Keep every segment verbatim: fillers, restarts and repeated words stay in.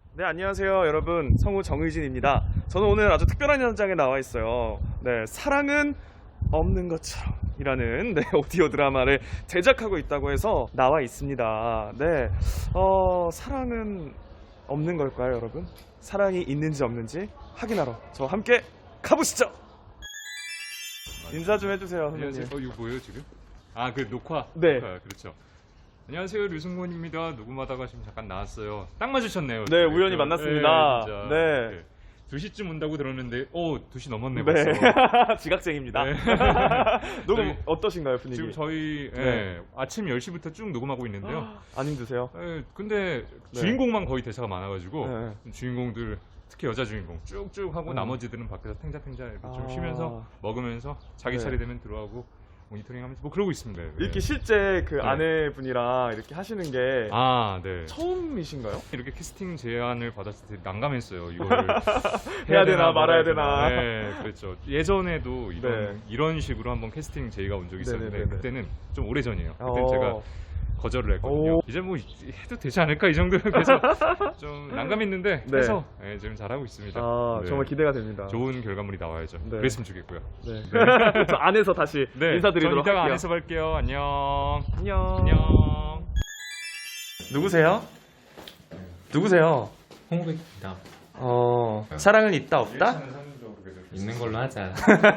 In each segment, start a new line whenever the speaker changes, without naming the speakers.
네, 안녕하세요 여러분, 성우 정의진입니다. 저는 오늘 아주 특별한 현장에 나와 있어요. 네, 사랑은 없는 것처럼 이라는 네, 오디오 드라마를 제작하고 있다고 해서 나와 있습니다. 네, 어, 사랑은 없는 걸까요 여러분? 사랑이 있는지 없는지 확인하러 저 함께 가보시죠. 인사 좀 해주세요 선생님.
안녕하세요. 어, 이거 뭐예요 지금? 아, 그 녹화.
네.
녹화, 그렇죠. 안녕하세요, 류승곤입니다. 녹음하다가 지금 잠깐 나왔어요. 딱 맞으셨네요.
네, 우연히
그,
만났습니다.
네, 진짜.
네.
네. 두 시쯤 온다고 들었는데, 오, 두 시 넘었네,
네,
벌써.
지각생입니다.
네.
녹음
저희-
어떠신가요 분위기?
지금 저희 예,
네.
아침 열 시부터 쭉 녹음하고 있는데요.
안 힘드세요?
예, 근데
네.
주인공만 거의 대사가 많아가지고
네.
주인공들 특히 여자 주인공 쭉쭉 하고
음.
나머지들은 밖에서 탱자탱자 이렇게 좀
아.
쉬면서 먹으면서 자기
네.
차례 되면 들어가고 모니터링하면서 뭐 그러고 있습니다. 예.
이렇게 실제 그
네.
아내분이랑 이렇게 하시는 게
아, 네.
처음이신가요?
이렇게 캐스팅 제안을 받았을 때 난감했어요. 이거를
해야 되나 말아야 되나.
네, 그렇죠. 예전에도 이런
네.
이런 식으로 한번 캐스팅 제의가 온 적이 있었는데
네네네네.
그때는 좀 오래 전이에요. 그때
어.
제가 거절을 했거든요.
오.
이제 뭐 해도 되지 않을까 이 정도 그래서 좀 난감했는데
네.
해서 네, 지금 잘하고 있습니다.
아,
네.
정말 기대가 됩니다.
좋은 결과물이 나와야죠.
네.
그랬으면 좋겠고요.
네. 저 안에서 다시
네,
인사드리도록
전 이따가
할게요.
안에서 뵐게요. 안녕.
안녕.
안녕.
누구세요? 누구세요?
홍백입니다.
어, 사랑은 있다 없다?
있는 걸로 하자.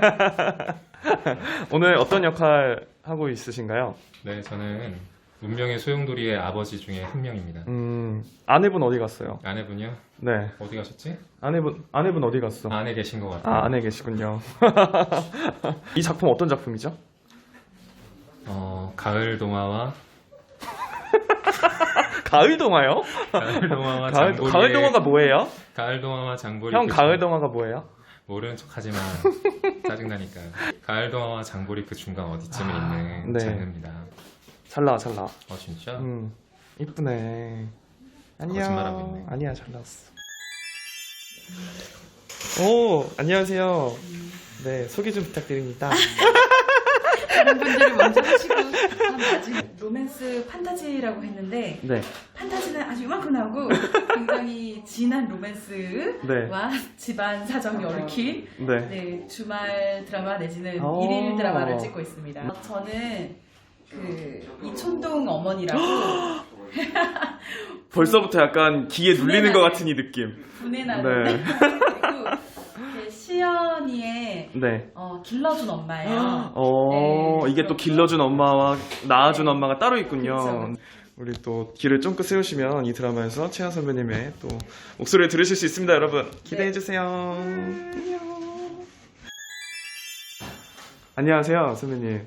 오늘 어떤 역할 하고 있으신가요?
네, 저는 운명의 소용돌이의 아버지 중에 한 명입니다.
음, 아내분 어디 갔어요?
아내분이요?
네,
어디 가셨지?
아내분 아내분 어디 갔어?
안에 계신 것 같아요.
아, 안에 계시군요. 이 작품 어떤 작품이죠?
어, 가을 동화와
가을 동화요?
가을 동화와
가을,
장보리의
가을 동화가 뭐예요?
가을 동화와 장보리
형
그
가을
중-
동화가 뭐예요?
모르는 척하지만 짜증나니까. 가을 동화와 장보리 그 중간 어디쯤에
아,
있는
네.
장르입니다.
잘 나와 잘 나와.
어 진짜?
음, 이쁘네. 안녕.
거짓말하고 있네.
아니야, 잘 나왔어. 오, 안녕하세요. 네, 소개 좀 부탁드립니다.
다른 분들이 먼저 하시고 전 나중에 로맨스 판타지라고 했는데
네,
판타지는 아주 이만큼 나오고 굉장히 진한 로맨스와 집안 사정이 얽힌
네.
네, 주말 드라마 내지는
오.
일일 드라마를 찍고 있습니다. 저는 그 이촌동 어머니라고
벌써부터 약간 귀에 눌리는 것 같은 이 느낌.
분해 나는
네.
그리고 이게 시연이의
네.
어, 길러준 엄마예요.
어,
네,
이게 또
그렇고.
길러준 엄마와 낳아준 엄마가 따로 있군요.
그렇죠.
우리 또 귀를 쫑긋 세우시면 이 드라마에서 채연 선배님의 또 목소리를 들으실 수 있습니다, 여러분. 기대해 주세요. 안녕. 안녕하세요, 선배님.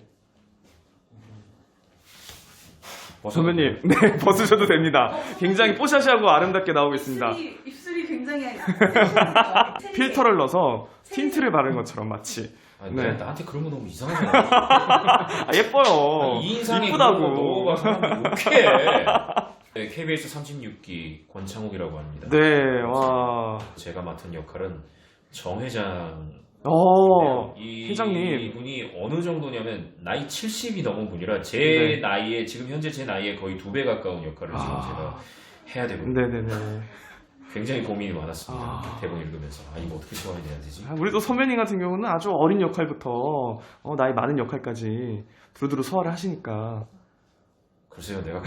선배님, 네, 벗으셔도 됩니다. 굉장히 뽀샤시하고 아름답게 나오고 있습니다.
입술이, 입술이 굉장히
필터를 넣어서 틴트를 바른 것처럼 마치.
아니,
네.
네. 나한테 그런 거 너무 이상하잖아.
아, 예뻐요.
이 인상에
이쁘다고.
그런 거 먹어봐 사람들이 욕해. 네, 케이비에스 삼십육 기 권창욱이라고 합니다.
네, 와.
제가 맡은 역할은 정 회장.
어,
이
회장님.
분이 어느 정도냐면 나이 칠십이 넘은 분이라 제
네.
나이에 지금 현재 제 나이에 거의 두 배 가까운 역할을 지금
아.
제가 해야 되거든요.
네네네.
굉장히 고민이 많았습니다.
아.
대본 읽으면서 아 이거 어떻게 소화해야 되지?
아, 우리 또 선배님 같은 경우는 아주 어린 역할부터 어, 나이 많은 역할까지 두루두루 소화를 하시니까.
글쎄요 내가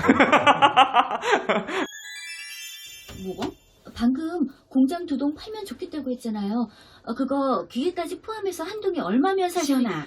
뭐가? 방금 공장 두 동 팔면 좋겠다고 했잖아요. 어, 그거 기계까지 포함해서 한 동이 얼마면 사실? 시연아.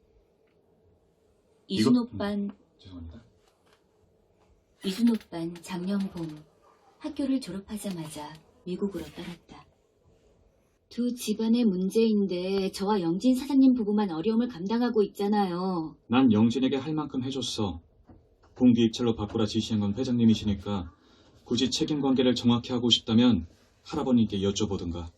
이준
이거-
오빤,
죄송합니다.
이준 오빤 작년 봄 학교를 졸업하자마자 미국으로 떠났다. 두 집안의 문제인데 저와 영진 사장님 부부만 어려움을 감당하고 있잖아요.
난 영진에게 할 만큼 해줬어. 공기 입찰로 바꾸라 지시한 건 회장님이시니까 굳이 책임관계를 정확히 하고 싶다면 할아버님께 여쭤보든가.